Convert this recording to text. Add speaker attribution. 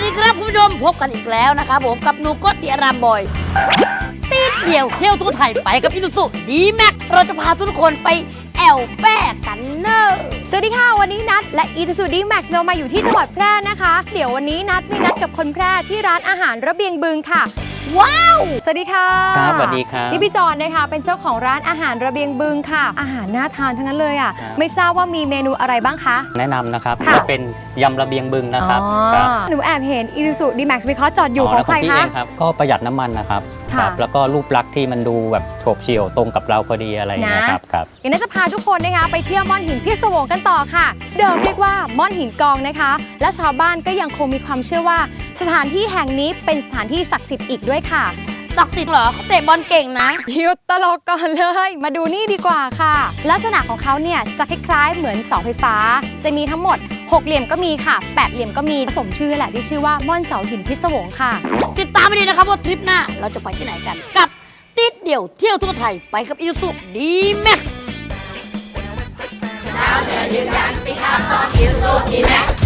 Speaker 1: ดีครับคุณผู้ชมพบกันอีกแล้วนะครับผมกับหนูก็ดีอารามบอยตีเดียวเที่ยวทั่วไทยไปกับอิซูซุดีแม็กเราจะพาทุกคนไปแอลแป้กันเนอร์
Speaker 2: สวัสดีค่ะวันนี้นัดและ Isuzu D-Max เรามาอยู่ที่จังหวัดแพร่นะคะ เดี๋ยววันนี้นัดมีนัดกับคนแพร่ที่ร้านอาหารระเบียงบึงค่ะว้าวสวัสดีค่ะ
Speaker 3: ครับสวัสดีครับ
Speaker 2: นี่พี่จอนนะคะเป็นเจ้าของร้านอาหารระเบียงบึงค่ะอาหารน่าทานทั้งนั้นเลยอ่ะ
Speaker 3: ครับ
Speaker 2: ไม่ทราบว่ามีเมนูอะไรบ้างคะ
Speaker 3: แนะนำนะครับ
Speaker 2: ค่ะ
Speaker 3: จะเป็นยำระเบียงบึงนะครับ
Speaker 2: อ๋อ
Speaker 3: ครับ
Speaker 2: หนูแอบเห็น Isuzu D-Max วิเคราะห์จอดอยู่ของใคร
Speaker 3: พี่
Speaker 2: คะ
Speaker 3: เองครับก็ประหยัดน้ำมันนะครับ
Speaker 2: ค่ะ
Speaker 3: ครับแล้วก็รูปลักษณ์ที่มันดูแบบโฉบเฉี่ยวตรงกับเราพอดีอะไรอย่างเงี้ย
Speaker 2: นะครับ
Speaker 3: ครับ
Speaker 2: อย่างนั้นจะพาทุกคนนะคะไปเที่ยวม่อนหินพิศวงกันต่อค่ะ เดิมเรียกว่าม่อนหินกองนะคะ และชาวบ้านก็ยังคงมีความเชื่อว่า สถานที่แห่งนี้เป็นสถานที่ศักดิ์สิทธิ์อีกด้วยค่ะ
Speaker 1: ศักดิ์สิทธิ์เหรอเขาเตะบอลเก่งนะ
Speaker 2: หยุดตลกก่อนเลย มาดูนี่ดีกว่าค่ะ ลักษณะของเขาเนี่ยจะคล้ายๆเหมือนเสาไฟฟ้า จะมีทั้งหมด 6 เหลี่ยมก็มีค่ะ 8 เหลี่ยมก็มีผสมชื่อแหละที่ชื่อว่าม่อนเสาหินพิศวงค่ะ
Speaker 1: ติดตามไปดีนะครับว่าทริปหน้าเราจะไปที่ไหนกัน กับติดเดี่ยวเที่ยวทั่วไทยไปกับอิซูซุดีแม็ก